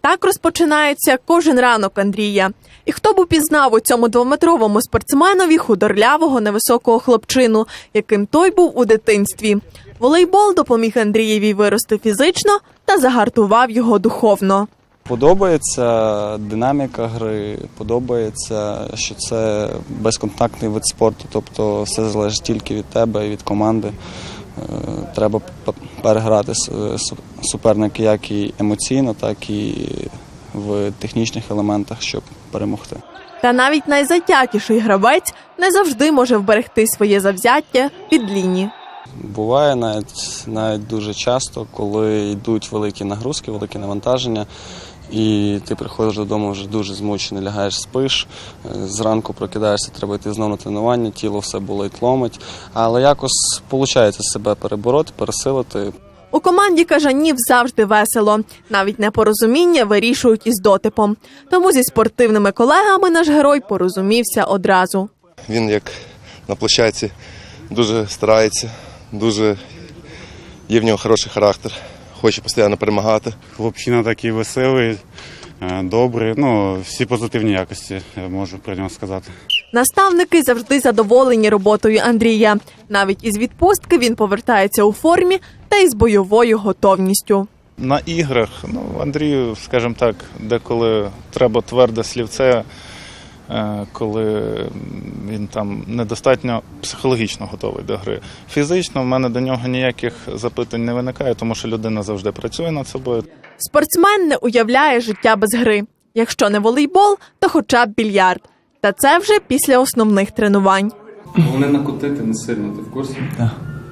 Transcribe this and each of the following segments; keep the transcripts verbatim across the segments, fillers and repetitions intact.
Так розпочинається кожен ранок Андрія. І хто б упізнав у цьому двометровому спортсменові худорлявого невисокого хлопчину, яким той був у дитинстві. Волейбол допоміг Андрієві вирости фізично та загартував його духовно. Подобається динаміка гри, подобається, що це безконтактний вид спорту, тобто все залежить тільки від тебе і від команди. Треба переграти суперника як і емоційно, так і в технічних елементах, щоб перемогти. Та навіть найзатятіший гравець не завжди може вберегти своє завзяття від лінії. Буває навіть, навіть дуже часто, коли йдуть великі нагрузки, великі навантаження, і ти приходиш додому вже дуже змучений, лягаєш, спиш, зранку прокидаєшся, треба йти знову на тренування, тіло все болить, ломить, але якось виходить себе перебороти, пересилити. У команді кажанів завжди весело. Навіть непорозуміння вирішують із дотипом. Тому зі спортивними колегами наш герой порозумівся одразу. Він, як на площадці, дуже старається, дуже є в нього хороший характер, хоче постійно перемагати. Хлопчина такий веселий, добрий, ну, всі позитивні якості, я можу про нього сказати. Наставники завжди задоволені роботою Андрія. Навіть із відпустки він повертається у формі та із бойовою готовністю. На іграх, ну, Андрію, скажімо так, деколи треба тверде слівце, коли він там недостатньо психологічно готовий до гри. Фізично в мене до нього ніяких запитань не виникає, тому що людина завжди працює над собою. Спортсмен не уявляє життя без гри. Якщо не волейбол, то хоча б більярд. Та це вже після основних тренувань. Головне накотити не сильно, ти в курсі? Так.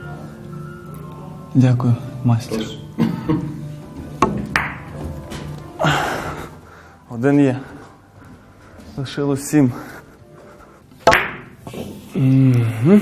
Дякую, майстер. Один є. Лишилось сім. Угу.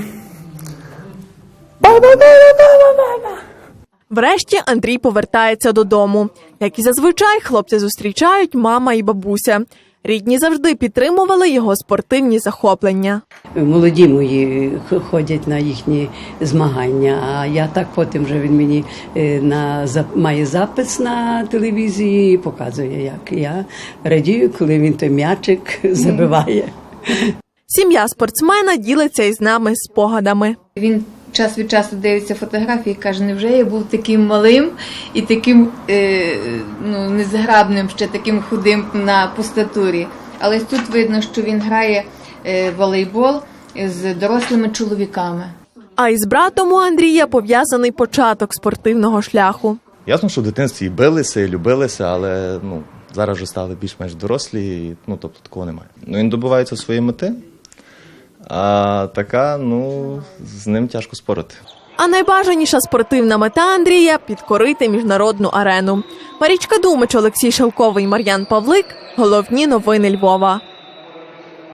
Врешті Андрій повертається додому. Як і зазвичай, хлопця зустрічають мама і бабуся. Рідні завжди підтримували його спортивні захоплення. Молоді мої ходять на їхні змагання, а я так потім вже він мені на, має запис на телевізії і показує, як я радію, коли він той м'ячик забиває. Сім'я спортсмена ділиться із нами спогадами. Він час від часу дивиться фотографії і каже, невже я був таким малим і таким е, ну, незграбним, ще таким худим на пустатурі. Але тут видно, що він грає е, волейбол з дорослими чоловіками. А із братом у Андрія пов'язаний початок спортивного шляху. Ясно, що в дитинстві і билися, і любилися, але ну, зараз вже стали більш-менш дорослі, і, ну, тобто такого немає. Ну, він добивається своєї мети. А така, ну, з ним тяжко спорити. А найбажаніша спортивна мета Андрія – підкорити міжнародну арену. Марічка Думич, Олексій Шелковий, Мар'ян Павлик. Головні новини Львова.